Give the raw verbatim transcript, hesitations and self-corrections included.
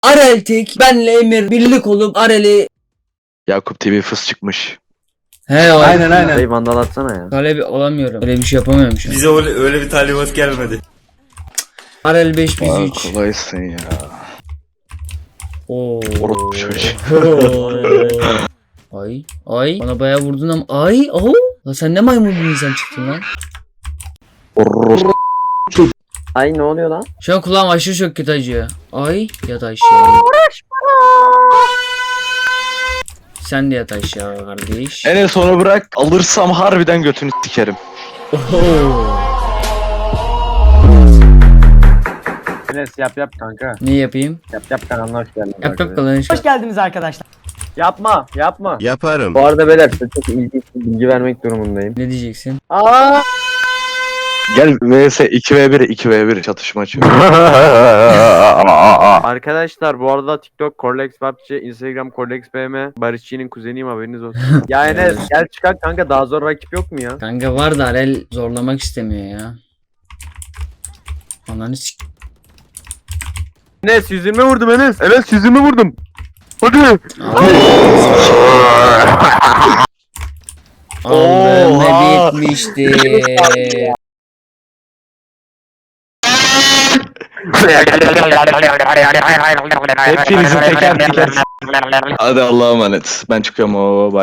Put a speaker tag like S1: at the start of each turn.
S1: Arel tek, benle Emir birlik olup Arel'i...
S2: Yakup T V fıs çıkmış.
S1: He o.
S3: Aynen aynen.
S4: Dayı vandal atsana ya.
S1: Talebi olamıyorum. Öyle bir şey yapamıyorum şu an.
S5: Bize öyle, öyle bir talimat gelmedi.
S1: Arel beş biz
S2: Aa,
S1: üç.
S2: kolaysın ya.
S1: Oo.
S2: Orospu çocuğu.
S1: Ay ay bana bayağı vurdun ama ay oh. Lan sen ne maymun bir insan çıktın lan.
S2: Orospu.
S4: Ay ne oluyor lan?
S1: Şu an kulağım aşırı çok kötü acıyor. Ay yat aşağı. Sen de yat aşağı kardeş.
S2: En sonu bırak. Alırsam harbiden götünü sikerim.
S1: Oho.
S3: Enes yap yap kanka.
S1: Ne yapayım?
S3: Yap yap kanalına hoş geldin.
S1: Yap yap kalan
S6: Hoş geldiniz arkadaşlar.
S3: Yapma yapma.
S7: Yaparım.
S4: Bu arada beyler size çok ilginç bir bilgi vermek durumundayım.
S1: Ne diyeceksin?
S4: Aa!
S2: Gel vs iki ve bir iki ve bir çatışma açıyor.
S4: Arkadaşlar bu arada TikTok Corlex P U B G, Instagram Corlex B M, Barışçı'nın kuzeniyim haberiniz olsun.
S3: Ya Enes gel çıkar kanka, daha zor rakip yok mu ya?
S1: Kanka var da Arel zorlamak istemiyor ya. Ananı sik...
S4: Enes yüz yirmi vurdum Enes. Enes yüz yirmi vurdum. Hadi.
S1: Allah'ım
S2: Oha.
S1: ne bitmişti.
S2: Hepinizi teker teker. Hadi Allah'a emanet. Ben çıkıyorum o.